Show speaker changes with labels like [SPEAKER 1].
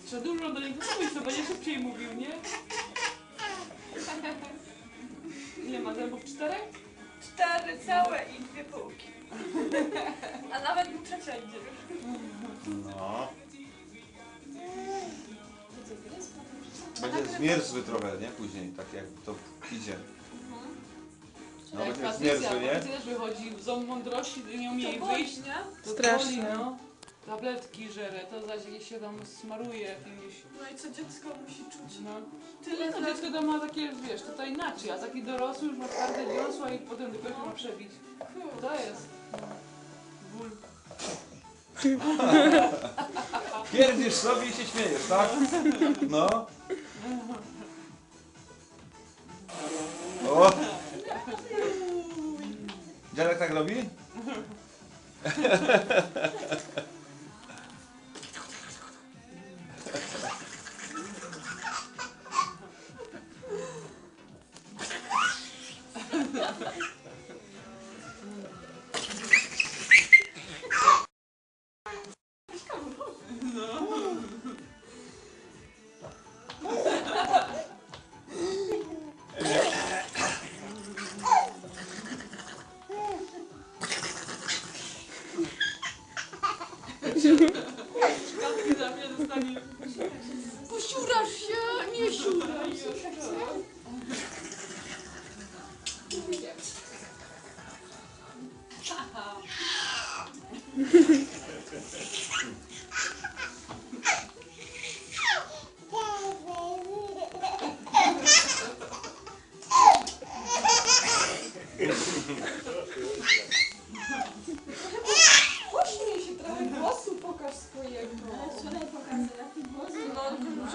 [SPEAKER 1] Trzeba dużo do niego mówić, to będzie szybciej mówił, nie? Ile ma zębów? 4?
[SPEAKER 2] 4 całe i 2 półki. A nawet mu trzecia idzie.
[SPEAKER 3] No. Będzie zmierzły trochę, nie? Później, tak jak to idzie. No
[SPEAKER 1] Jak
[SPEAKER 3] będzie zmierzły,
[SPEAKER 1] Patrycja,
[SPEAKER 3] nie?
[SPEAKER 1] Patrycja też wychodzi, ząb mądrości, nie umie jej
[SPEAKER 2] To
[SPEAKER 1] wyjść.
[SPEAKER 2] boli, nie?
[SPEAKER 1] To
[SPEAKER 4] Strasznie.
[SPEAKER 1] boli, no. Tabletki żere, to zaś jakieś się tam smaruje jakimiś.
[SPEAKER 2] No i co dziecko musi czuć?
[SPEAKER 1] No.
[SPEAKER 2] Tyle
[SPEAKER 1] To dziecko to ma takie, wiesz, to inaczej, a taki dorosły już ma twarde dziąsła i potem dopiero się ma przebić. To jest ból.
[SPEAKER 3] Pierdzisz sobie i się śmiejesz, tak? No. O! Dziadek tak robi?
[SPEAKER 1] Szklanki za mnie dostanie. Posiurasz się, nie siuraj
[SPEAKER 2] Pośmiej się trochę, głosu pokaż swojego.
[SPEAKER 5] Ale wczoraj pokazał jaki głos.
[SPEAKER 2] No,